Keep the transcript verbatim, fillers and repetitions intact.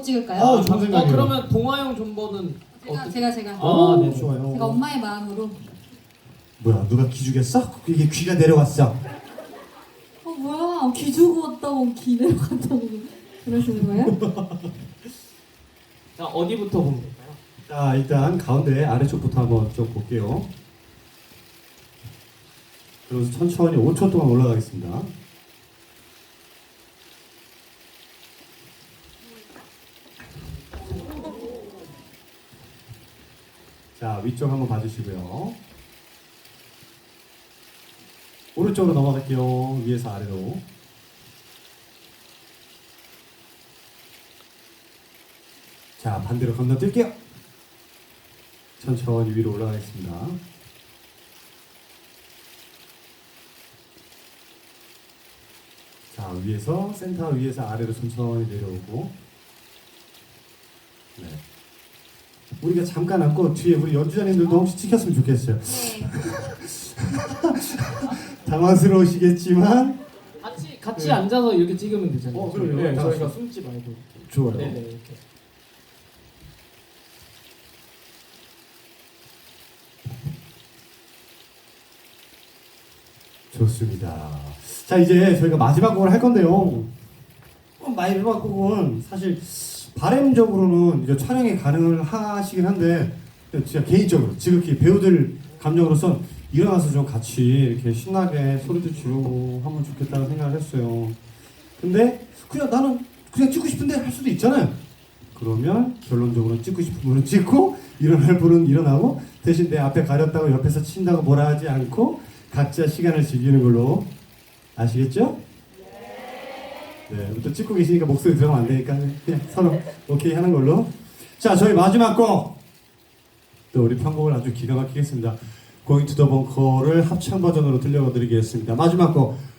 찍을까요? 어, 좋은 생각이에요. 어, 그러면 동화형 존버는 제가 어떻게? 제가 제가 아, 네. 좋아요. 제가 엄마의 마음으로. 뭐야, 누가 기죽였어? 이게 귀가 내려왔어. 어 뭐야, 귀 주고 왔다고 귀 내려갔다고 그러시는 거예요? 자, 어디부터 보면 될까요? 자, 일단 가운데 아래쪽부터 한번 좀 볼게요. 그래서 천천히 오 초 동안 올라가겠습니다. 자, 위쪽 한번 봐주시고요. 오른쪽으로 넘어갈게요. 위에서 아래로. 자, 반대로 건너뛸게요. 천천히 위로 올라가겠습니다. 자, 위에서 센터 위에서 아래로 천천히 내려오고. 네. 우리가 잠깐 앉고 뒤에 우리 연주자님들도 혹시 찍혔으면 좋겠어요. 네. 당황스러우시겠지만 같이 같이 네. 앉아서 이렇게 찍으면 되잖아요. 어, 그럼요. 네, 다 저희가 같이. 숨지 말고. 좋아요. 네네 이렇게. 좋습니다. 자, 이제 저희가 마지막 곡을 할 건데요. 어, 마지막 곡은 사실 바람적으로는 이제 촬영이 가능하시긴 한데 진짜 개인적으로 지극히 배우들 감정으로선 일어나서 좀 같이 이렇게 신나게 소리도 지르고 하면 좋겠다는 생각을 했어요. 근데 그냥 나는 그냥 찍고 싶은데 할 수도 있잖아요. 그러면 결론적으로 찍고 싶은 분은 찍고 일어날 분은 일어나고 대신 내 앞에 가렸다고 옆에서 친다고 뭐라 하지 않고 각자 시간을 즐기는 걸로. 아시겠죠? 네. 또 찍고 계시니까 목소리 들어가면 안 되니까 그냥 서로 오케이 하는 걸로. 자, 저희 마지막 곡. 또 우리 편곡을 아주 기가 막히겠습니다. Going to the Bunker를 합창 버전으로 들려드리겠습니다. 마지막 곡